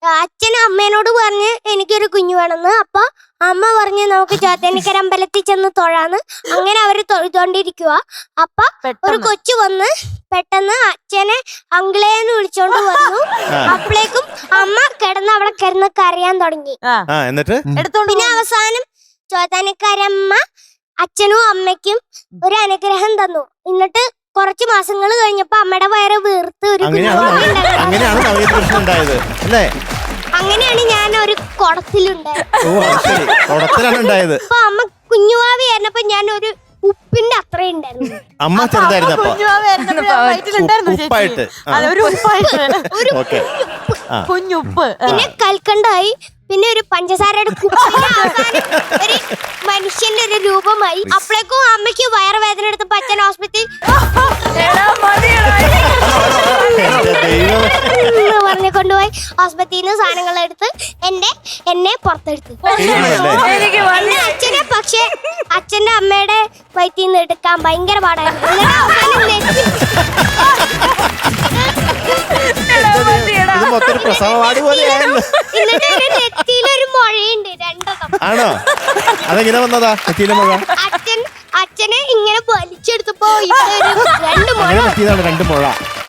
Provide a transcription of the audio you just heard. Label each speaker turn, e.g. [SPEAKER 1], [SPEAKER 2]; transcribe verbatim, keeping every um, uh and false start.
[SPEAKER 1] അച്ഛൻ അമ്മേനോട് പറഞ്ഞ് എനിക്കൊരു കുഞ്ഞു വേണമെന്ന്. അപ്പൊ അമ്മ പറഞ്ഞ് നമുക്ക് ചോറ്റാനിക്കര അമ്പലത്തിൽ ചെന്ന് തൊഴാന്ന്. അങ്ങനെ അവര് തൊഴുതോണ്ടിരിക്കുക. അപ്പൊ ഒരു കൊച്ചു വന്ന് പെട്ടെന്ന് അച്ഛനെ അങ്കിളേന്ന് വിളിച്ചോണ്ട് വന്നു. അപ്പോഴേക്കും അമ്മ കിടന്ന് അവിടെ കിടന്ന് കരയാൻ തുടങ്ങി.
[SPEAKER 2] എന്നിട്ട്
[SPEAKER 1] പിന്നെ അവസാനം ചോറ്റാനിക്കരമ്മ അച്ഛനും അമ്മയ്ക്കും ഒരു അനുഗ്രഹം തന്നു. എന്നിട്ട് കുറച്ച് മാസങ്ങൾ കഴിഞ്ഞപ്പോ അമ്മയുടെ വയറ് വീർത്ത് ഒരു
[SPEAKER 2] അങ്ങനെയാണ് നവീകൃഷ്ണൻ ഉണ്ടായത് അല്ലേ?
[SPEAKER 1] അങ്ങനെയാണ് ഞാൻ ഒരു കുടത്തിലുണ്ടായത്.
[SPEAKER 2] ഉണ്ടായത്
[SPEAKER 1] അപ്പൊ അമ്മ കുഞ്ഞുവാവി ആയിരുന്നപ്പോ ഞാൻ ഒരു ഉപ്പിന്റെ അത്രയും ഉണ്ടായിരുന്നു.
[SPEAKER 2] അമ്മ ചെറുതായിരുന്നപ്പോ
[SPEAKER 3] കുഞ്ഞുപ്പ്,
[SPEAKER 1] പിന്നെ കൽക്കണ്ടായി, പിന്നെ ഒരു പഞ്ചസാരയുടെ കുപ്പിന്റെ അവസാനം ഒരു മനുഷ്യന്റെ ഒരു രൂപമായി. അപ്പോഴേക്കും അമ്മയ്ക്ക് വയറുവേദന എടുത്തപ്പോ അച്ഛൻ ഹോസ്പിറ്റലിൽ പറഞ്ഞു കൊണ്ടുപോയി. ഹോസ്പിറ്റലിൽ നിന്ന് സാധനങ്ങൾ എടുത്ത് എന്റെ എന്നെ പുറത്തെടുത്തു. എന്റെ അച്ഛനെ പക്ഷെ അച്ഛന്റെ അമ്മയുടെ വയറ്റിൽ നിന്ന് എടുക്കാൻ ഭയങ്കര പാടായിരുന്നു. നെറ്റിയിലൊരു മുഴയുണ്ട് രണ്ടെണ്ണം.
[SPEAKER 2] ആണോ? അതെങ്ങനെ വന്നതാ നെറ്റിയിലെ മുഴ?
[SPEAKER 1] അച്ഛൻ അച്ഛനെ ഇങ്ങനെ വലിച്ചെടുത്തപ്പോ രണ്ട് മുഴ
[SPEAKER 2] രണ്ട് മുഴ